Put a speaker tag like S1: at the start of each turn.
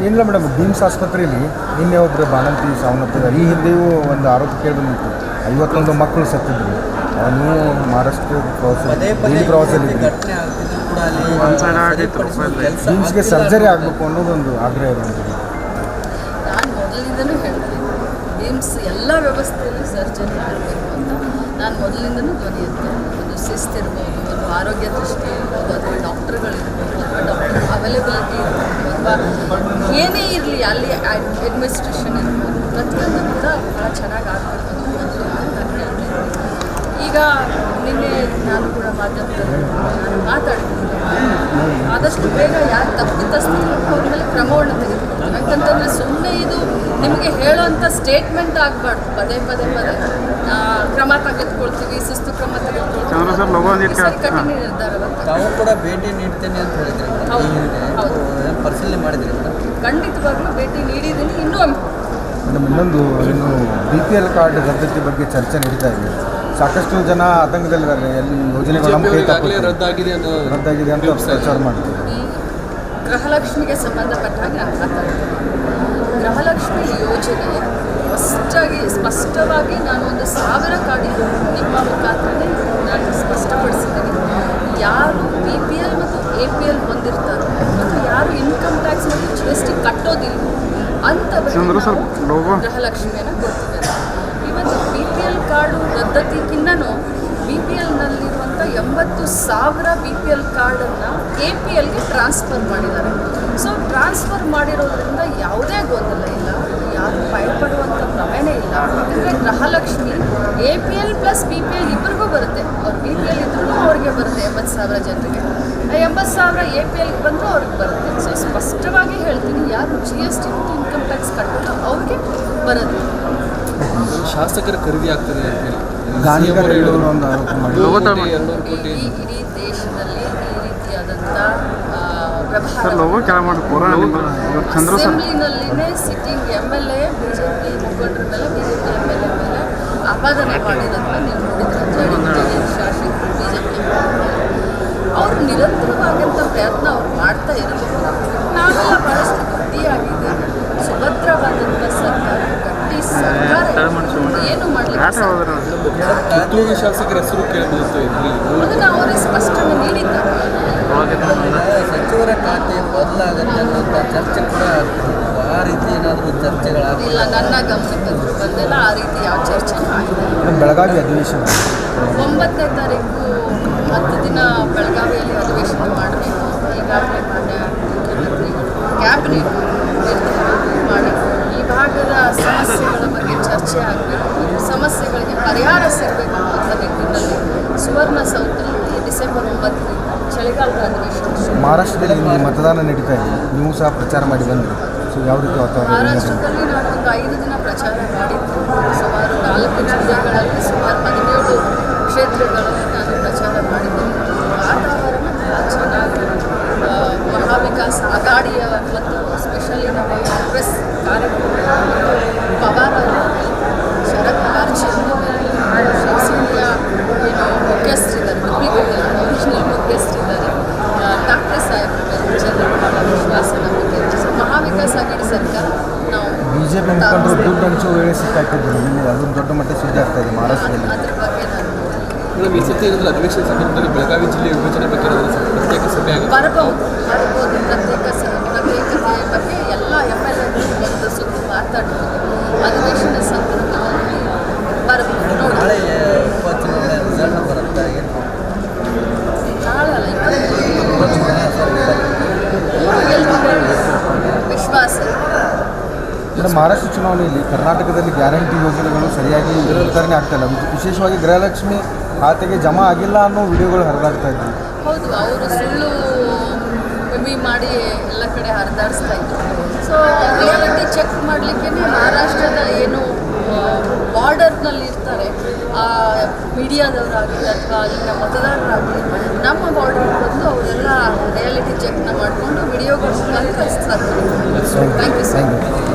S1: ಏನಿಲ್ಲ madam, BIMS ಆಸ್ಪತ್ರೆಯಲ್ಲಿ ನಿನ್ನೆ ಒಬ್ಬರು ಬಾಣಂತಿ ಸಾವನ್ನಪ್ಪಿದ್ದಾರೆ. ಈ ಹಿಂದೆಯೂ ಒಂದು ಆರೋಪ ಕೇಳಿ ಬಂದಿತ್ತು, 51 ಮಕ್ಕಳು ಸತ್ತಿದ್ರು. ಅವನು ಮಹಾರಾಷ್ಟ್ರ ಪ್ರವಾಸದಲ್ಲಿ ಬಿಮ್ಸ್ಗೆ ಸರ್ಜರಿ ಆಗಬೇಕು ಅನ್ನೋದೊಂದು ಆಗ್ರಹ ಇರುವಂಥದ್ದು.
S2: ನಾನು ಮೊದಲಿಂದನೂ ಹೇಳ್ತೀನಿ, ಬಿಮ್ಸ್ ಎಲ್ಲ ವ್ಯವಸ್ಥೆಯಲ್ಲಿ ಸರ್ಜರಿ ಆಗಬೇಕು ಅಂತ ನಾನು ಮೊದಲಿಂದನೂ ಧ್ವನಿ ಎತ್ತೇನೆ. ಒಂದು ಶಿಸ್ತಿರ್ಬೋದು, ಒಂದು ಆರೋಗ್ಯ ದೃಷ್ಟಿ ಇರ್ಬೋದು, ಅಥವಾ ಡಾಕ್ಟರ್ಗಳಿರ್ಬೋದು, ಅಥವಾ ಡಾಕ್ಟರ್ ಅವೈಲೇಬಿಲಿಟಿ ಇರ್ಬೋದು, ಅಥವಾ ಏನೇ ಇರಲಿ ಅಲ್ಲಿ ಅಡ್ಮಿನಿಸ್ಟ್ರೇಷನ್ ಇರ್ಬೋದು, ಪ್ರತಿಯೊಂದು ಕೂಡ ಭಾಳ ಚೆನ್ನಾಗಿ ಆಗಬೇಕು ಅನ್ನೋದು ನಾನು ಹೇಳ್ತೀನಿ. ಈಗ ನಿನ್ನೆ ನಾನು ಕೂಡ ಮಾಧ್ಯಮದಲ್ಲಿ ನಾನು ಮಾತಾಡ್ತೀನಿ, ಆದಷ್ಟು ಬೇಗ ಯಾರು ತಪ್ಪಿತಸ್ಥರು ಅವ್ರ ಮೇಲೆ ಕ್ರಮವನ್ನು ತೆಗೆದುಕೊಳ್ತೀವಿ. ಯಾಕಂತಂದರೆ ಸುಮ್ಮನೆ ಇದು ನಿಮಗೆ ಹೇಳೋವಂಥ ಸ್ಟೇಟ್ಮೆಂಟ್ ಆಗಬಾರ್ದು. ಪದೇ ಪದೇ ಕ್ರಮ ತೆಗೆದುಕೊಳ್ತೀವಿ, ಶಿಸ್ತು ಕ್ರಮ ತೆಗೆದುಕೊಳ್ತೀವಿ, ಕಠಿಣ ನಿರ್ಧಾರ.
S3: ತಾವು ಕೂಡ ಭೇಟಿ ನೀಡ್ತೇನೆ ಅಂತ ಹೇಳಿದ್ರೆ
S2: ಹೌದು,
S3: ಪರಿಶೀಲನೆ ಮಾಡಿದ್ರಿ?
S2: ಖಂಡಿತವಾಗ್ಲೂ ಭೇಟಿ ನೀಡಿದ್ದೀನಿ.
S1: ಇನ್ನೊಂದು ಇನ್ನು BPL ಕಾರ್ಡ್ ರದ್ದತಿ ಬಗ್ಗೆ ಚರ್ಚೆ ನಡೀತಾ ಇದೆ. ಸಾಕಷ್ಟು ಜನ ಆತಂಕದಲ್ಲಿದ್ದಾರೆ. ಎಲ್ಲಿ ಯೋಜನೆಗಳು ರದ್ದಾಗಿದೆ ಅಂತ ಪ್ರಚಾರ ಮಾಡ್ತಾರೆ.
S2: ಈ ಗೃಹಲಕ್ಷ್ಮಿಗೆ ಸಂಬಂಧಪಟ್ಟ ಹಾಗೆ ನಾನು ಮಾತಾಡ್ತೀನಿ. ಗೃಹಲಕ್ಷ್ಮಿ ಯೋಜನೆ ಸ್ಪಷ್ಟವಾಗಿ ನಾನು ಒಂದು 1000 ಕಾರ್ಡ್ ನಿಮ್ಮ ಮುಖಾಂತರ ನಾನು ಸ್ಪಷ್ಟಪಡಿಸಿದ್ದೀನಿ. ಯಾರು BPL ಮತ್ತು APL ಹೊಂದಿರ್ತಾರೋ ಮತ್ತು ಯಾರು ಇನ್ಕಮ್ ಟ್ಯಾಕ್ಸ್ ಮತ್ತು GST ಕಟ್ಟೋದಿಲ್ಲ ಅಂಥವರಿಗೆ ಗೃಹಲಕ್ಷ್ಮಿಯನ್ನು ಕೊಡ್ತೀವಿ. ಇವತ್ತು BPL ಕಾರ್ಡು ರದ್ದತಿಗಿನ್ನೂ BPLನಲ್ಲಿರುವಂಥ 80,000 BPL ಕಾರ್ಡನ್ನು APLಗೆ ಟ್ರಾನ್ಸ್ಫರ್ ಮಾಡಿದ್ದಾರೆ. ಸೊ ಟ್ರಾನ್ಸ್ಫರ್ ಮಾಡಿರೋದ್ರಿಂದ ಯಾವುದೇ ಗೊಂದಲ ಇಲ್ಲ, ಯಾರು ಭಯಪಡುವಂಥ ಪ್ರಮೇಯನೇ ಇಲ್ಲ. ಯಾಕಂದರೆ ಗೃಹಲಕ್ಷ್ಮಿ APL ಪ್ಲಸ್ BPL ಇಬ್ಬರಿಗೂ ಬರುತ್ತೆ. ಅವ್ರು BPL ಇದ್ರೂ ಅವ್ರಿಗೆ ಬರುತ್ತೆ 80,000 ಜನರಿಗೆ, 80,000 APLಗೆ ಬಂದರೂ ಅವ್ರಿಗೆ ಬರುತ್ತೆ. ಸೊ ಸ್ಪಷ್ಟವಾಗಿ ಹೇಳ್ತೀನಿ, ಯಾರು GST ಮತ್ತು ಇನ್ಕಮ್ ಟ್ಯಾಕ್ಸ್ ಕಟ್ಟೋದು ಅವ್ರಿಗೆ ಬರುತ್ತೆ.
S3: ಶಾಸಕರ ಖರೀದಿ ಆಗ್ತದೆ
S2: ಇಡೀ ದೇಶದಲ್ಲಿ ಈ ರೀತಿಯಾದಂಥ ಅಸೆಂಬ್ಲಿನಲ್ಲಿನೇ ಸಿಟ್ಟಿಂಗ್ MLA BJP ಮುಖಂಡರ ಮೇಲೆ, BJP MLA ಮೇಲೆ ಆಪಾದನೆ ಮಾಡಿರೋದನ್ನ ನೀವು ನೋಡಿದ್ರೆ ಶಾಸಕರು BJP ಅವರು ನಿರಂತರವಾದಂಥ ಪ್ರಯತ್ನ ಅವ್ರು ಮಾಡ್ತಾ ಇರಬೇಕು. ನಾವೆಲ್ಲ ಭಾಳಷ್ಟು ಗಟ್ಟಿಯಾಗಿದೆ, ಸುಭದ್ರವಾದಂಥ ಸರ್ಕಾರ, ಗಟ್ಟಿ ಸರ್ಕಾರ ಏನು ಮಾಡಲಿಕ್ಕೆ
S3: ಶಾಸಕರ ಹೆಸರು ಕೇಳಬಹುದು.
S2: ಅದನ್ನು ಅವರೇ ಸ್ಪಷ್ಟನೆ ನೀಡಿದ್ದಾರೆ.
S3: ಸಚಿವರ ಖಾತೆ ಬದಲಾಗುತ್ತೆ ಅನ್ನೋಂಥ ಚರ್ಚೆ ಕೂಡ ಆ ರೀತಿ ಏನಾದರೂ ಚರ್ಚೆಗಳಾಗಿಲ್ಲ?
S2: ಇಲ್ಲ, ನನ್ನ ಗಮನಕ್ಕೆ ಬಂದಿಲ್ಲ ಆ ರೀತಿ ಯಾವ ಚರ್ಚೆನೂ ಆಗಿದೆ.
S1: ಬೆಳಗಾವಿ ಅಧಿವೇಶನ
S2: 9ನೇ ತಾರೀಕು 10 ದಿನ ಬೆಳಗಾವಿಯಲ್ಲಿ ಅಧಿವೇಶನ ಮಾಡಬೇಕು. ಈಗಾಗಲೇ ಮಾನ್ಯ ಮುಖ್ಯಮಂತ್ರಿಗಳು ಕ್ಯಾಬಿನೆಟ್ ನಿರ್ಧಾರ ಮಾಡಿ ಈ ಭಾಗದ ಸಮಸ್ಯೆಗಳ ಬಗ್ಗೆ ಚರ್ಚೆ ಆಗಬೇಕು, ಸಮಸ್ಯೆಗಳಿಗೆ ಪರಿಹಾರ ಸಿಗಬೇಕು ಅಂತ ನಿಟ್ಟಿನಲ್ಲಿ ಸುವರ್ಣಸೌಧದಲ್ಲಿ ಡಿಸೆಂಬರ್ 9ರಿಂದ ಚಳಿಗಾಲದ ಅಧಿವೇಶನ.
S1: ಮಹಾರಾಷ್ಟ್ರದಲ್ಲಿ ಮತದಾನ ನಡೀತಾ ಇದೆ, ನೀವು ಸಹ ಪ್ರಚಾರ ಮಾಡಿ ಬಂದಿರಿ. ಸೊ ಯಾವ ರೀತಿ ವಾತಾವರಣ?
S2: ಮಹಾರಾಷ್ಟ್ರದಲ್ಲಿ ನಾನು ಒಂದು 5 ದಿನ ಪ್ರಚಾರ ಮಾಡಿದ್ದು. ಸುಮಾರು 4 ಜಿಲ್ಲೆಗಳಲ್ಲಿ ಸುಮಾರು 17 ಕ್ಷೇತ್ರಗಳಲ್ಲಿ ನಾನು ಪ್ರಚಾರ ಮಾಡಿದ್ದೀನಿ. ವಾತಾವರಣ ಚೆನ್ನಾಗಿ ಮಹಾವಿಕಾಸ್ ಅಘಾಡಿಯ ಮತ್ತು ಸ್ಪೆಷಲಿ ನಮ್ಮ ಕಾಂಗ್ರೆಸ್ ಕಾರ್ಯಕ್ರಮ ಪವಾರ್ ಶರದ್ ಪವಾರ್ಜಿ ಶಿವಸೇನೆಯ ಮುಖ್ಯಸ್ಥರಿದ್ದಾರೆ, ಒರಿಜಿನಲ್ ಮುಖ್ಯಸ್ಥರಿದ್ದಾರೆ, ಠಾಕ್ರೆ ಸಾಹೇಬ್ ಜನರ ವಿಶ್ವಾಸ ನಮಗೆ. ಮಹಾವಿಕಾಸ್ ಅಘಾಡಿ ಸರ್ಕಾರ ನಾವು
S1: BJP ಮುಖಂಡರು ದುಡ್ಡು ಹಂಚುವ ವೇಳೆ ಸಿಕ್ಕಾಕಿದ್ರು. ಅದೊಂದು ದೊಡ್ಡ ಮಟ್ಟ ಸುದ್ದಿ ಆಗ್ತಾ ಇದೆ ಮಹಾರಾಷ್ಟ್ರದಲ್ಲಿ.
S2: ಅದ್ರ ಬಗ್ಗೆ ನಾನು
S3: ಈ ಸತಿ ಅಧಿವೇಶನ ಸಂದರ್ಭದಲ್ಲಿ ಬೆಳಗಾವಿ ಜಿಲ್ಲೆ ವಿಭಜನೆ ಬಗ್ಗೆ ಪ್ರತ್ಯೇಕ ಸಭೆ
S2: ಬರಬಹುದು. ಪ್ರತ್ಯೇಕತೆಯ ಬಗ್ಗೆ ಎಲ್ಲ MLA ಒಂದು ಸುದ್ದಿ ಮಾತಾಡ್ಬೋದು. ಅಧಿವೇಶನ ಸಂದರ್ಭದಲ್ಲಿ ಬರಬಹುದು. ನೋಡಿ,
S3: ನಾಳೆ ಉಪಚುನಾವಣೆ ರಿಸಲ್ಟ್ ಬರುತ್ತೆ.
S2: ನಾಳೆ ಅಲ್ಲ, ವಿಶ್ವಾಸ.
S1: ಮಹಾರಾಷ್ಟ್ರ ಚುನಾವಣೆಯಲ್ಲಿ ಕರ್ನಾಟಕದಲ್ಲಿ ಗ್ಯಾರಂಟಿ ಯೋಜನೆಗಳು ಸರಿಯಾಗಿ ವಿತರಣೆ ಆಗ್ತಾಯಿಲ್ಲ. ವಿಶೇಷವಾಗಿ ಗೃಹಲಕ್ಷ್ಮಿ ಖಾತೆಗೆ ಜಮಾ ಆಗಿಲ್ಲ ಅನ್ನೋ ವಿಡಿಯೋಗಳು ಹರಿದಾಡ್ತಾ ಇದ್ವಿ.
S2: ಹೌದು, ಅವರು ಸುಳ್ಳು ಮಾಡಿ ಎಲ್ಲ ಕಡೆ ಹರಿದಾಡಿಸ್ತಾ ಇದ್ರು. ಸೊ ರಿಯಾಲಿಟಿ ಚೆಕ್ ಮಾಡಲಿಕ್ಕೆ ಮಹಾರಾಷ್ಟ್ರದ ಏನು ಬಾರ್ಡರ್ನಲ್ಲಿ ಇರ್ತಾರೆ ಮೀಡಿಯಾದವರಾಗಲಿ ಅಥವಾ ಅಲ್ಲಿನ ಮತದಾರರಾಗಲಿ ನಮ್ಮ ಬಾರ್ಡರ್ಗೆ ಬಂದು ಅವರೆಲ್ಲ ರಿಯಾಲಿಟಿ ಚೆಕ್ನ ಮಾಡಿಕೊಂಡು ವಿಡಿಯೋಗಳು ಕಳಿಸ್ತಾರೆ. Thank you sir.